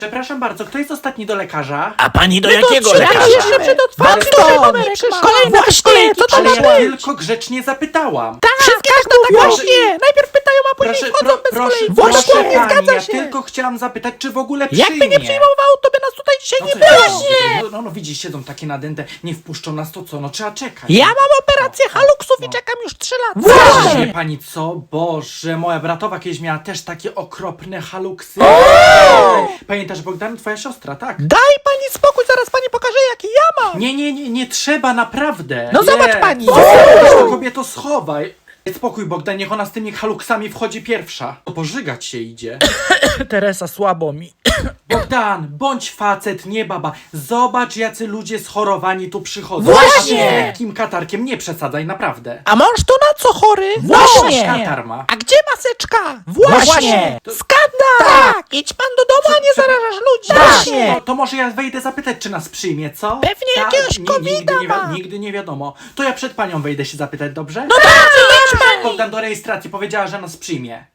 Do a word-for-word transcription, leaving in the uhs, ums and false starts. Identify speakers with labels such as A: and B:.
A: Przepraszam bardzo, kto jest ostatni do lekarza?
B: A pani do
C: No to
B: jakiego
C: czekaj
B: lekarza?
C: jeszcze przed otwarciem,
A: Bardzo
C: żeby
A: dobrze.
C: numerek ma. Kolejna
B: Właśnie,
C: co to
A: Ale
C: ma
A: ja
C: być?
A: tylko grzecznie zapytałam.
C: Tak, każda tak
A: mówią.
C: właśnie. Najpierw pytają, a później
A: Proszę,
C: wchodzą
A: pro,
C: bez
A: proszę,
C: kolei.
A: proszę
C: Właśnie,
A: pani,
C: zgadza
A: ja
C: się.
A: tylko chciałam zapytać, czy w ogóle przyjmie.
C: Jakby nie przyjmował, to by nas tutaj dzisiaj
A: No
C: nie
A: co
C: było.
A: ja- No, no, no widzisz, siedzą takie nadęte, nie wpuszczą nas, to co? No trzeba czekać.
C: Ja mam operację
A: No,
C: haluksów
A: no.
C: i czekam już trzy lata.
A: Wie pani co? Boże, moja bratowa kiedyś miała też takie okropne haluksy. Pamiętasz, Bogdan, twoja siostra, tak?
C: Daj pani spokój, zaraz pani pokaże, jaki ja mam.
A: Nie, nie, nie, nie trzeba, naprawdę.
C: No
A: nie.
C: zobacz pani.
A: Weź to kobieto schowaj. Daj spokój, Bogdan, niech ona z tymi haluksami wchodzi pierwsza. To pożygać się idzie.
C: Teresa, słabo mi.
A: Bogdan, bądź facet, nie baba. Zobacz, jacy ludzie schorowani tu przychodzą.
C: Właśnie.
A: A ty z lekkim katarkiem, nie przesadzaj, naprawdę.
C: A mąż to na co chory?
A: Właśnie. Katar ma.
C: A gdzie maseczka? Właśnie.
A: To-
C: Skandal. Tak. Idź pan do domu, a nie
A: Co-
C: zarażasz ludzi.
A: Właśnie. To, to może ja wejdę zapytać, czy nas przyjmie, co?
C: Pewnie
A: Tak,
C: jakiegoś
A: ni-
C: kowida
A: nigdy nie, wi-
C: ma.
A: nigdy nie wiadomo. To ja przed panią wejdę się zapytać, dobrze?
C: No dobrze, idź pani.
A: Bogdan do rejestracji powiedziała, że nas przyjmie.